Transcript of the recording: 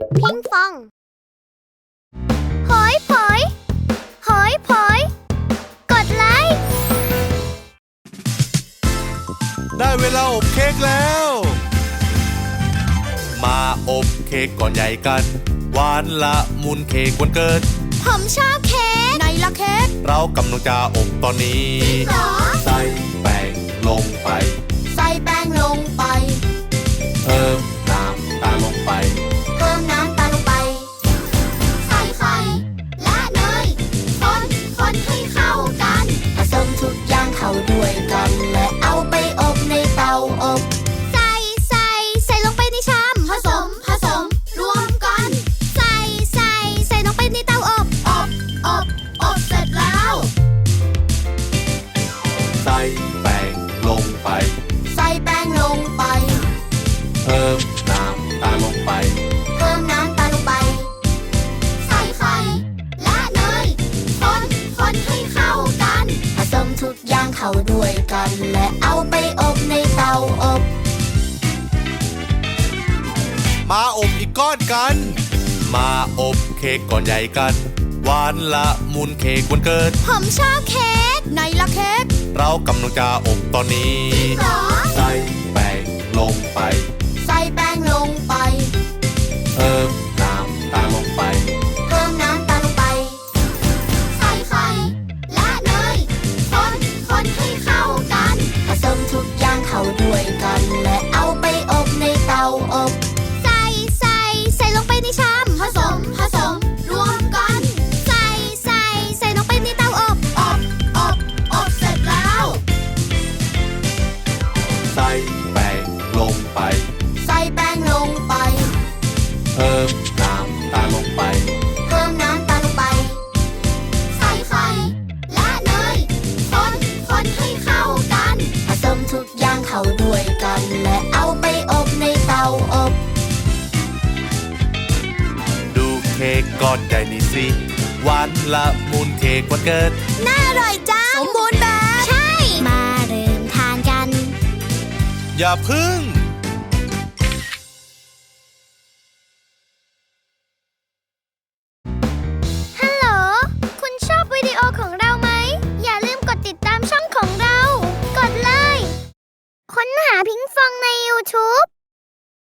พิงฟองหอยผอยหอยผอยกดไลค์ได้เวลาอบเค้กแล้ว มาอบเค้กก่อนใหญ่กันหวานละมุนเค้กวันเกิดผมชอบเค้กไหนล่ะเค้กเรากำลังจะอบตอนนี้ใส่แป้งลงไปใส่แป้งลงไปเพิ่มน้ำตาลลงไปเพิ่มน้ำตาลลงไปใส่ไข่และเนยคนให้เข้ากันผสมทุกอย่างเข้าด้วยกันและเอาไปอบในเตาอบใส่ลงไปในชามผสมรวมกันใส่ลงไปในเตาอบเสร็จแล้วใส่แป้งลงไปใส่แป้งลงไปเพิ่มน้ำตาลลงไปเพิ่มน้ำตาลลงไปใส่ไข่และเนยคนให้เข้ากันผสมทุกอย่างเข้าด้วยกันและเอาไปอบในเตาอบมาอบอีกก้อนกันมาอบเค้กก่อนใหญ่กันหวานละมุนเค้กวันเกิดผมชอบเค้กไหนล่ะเค้กเรากำลังจะอบตอนนี้ใส่แป้งลงไปใส่แป้งลงไปเพิ่มน้ำตาลลงไปเพิ่มน้ำตาลลงไปใส่ไข่และเนยคนให้เข้ากันผสมทุกอย่างเข้าด้วยกันและเอาไปอบในเตาอบใส่ลงไปในชามผสมรวมกันใส่ลงไปในเตาอบเสร็จแล้วใส่แป้งลงไปใส่แป้งลงไปเพิ่มน้ำตาลลงไปเพิ่มน้ำตาลลงไปใส่ไข่และเนยคนให้เข้ากันผสมทุกอย่างเข้าด้วยกันและเอาไปอบในเตาอบดูเค้กก้อนใหญ่นี่สิหวานละมุนเค้กวันเกิดน่าอร่อยจังสมบูรณ์แบบใช่มาเริ่มทานกันอย่าพึ่ง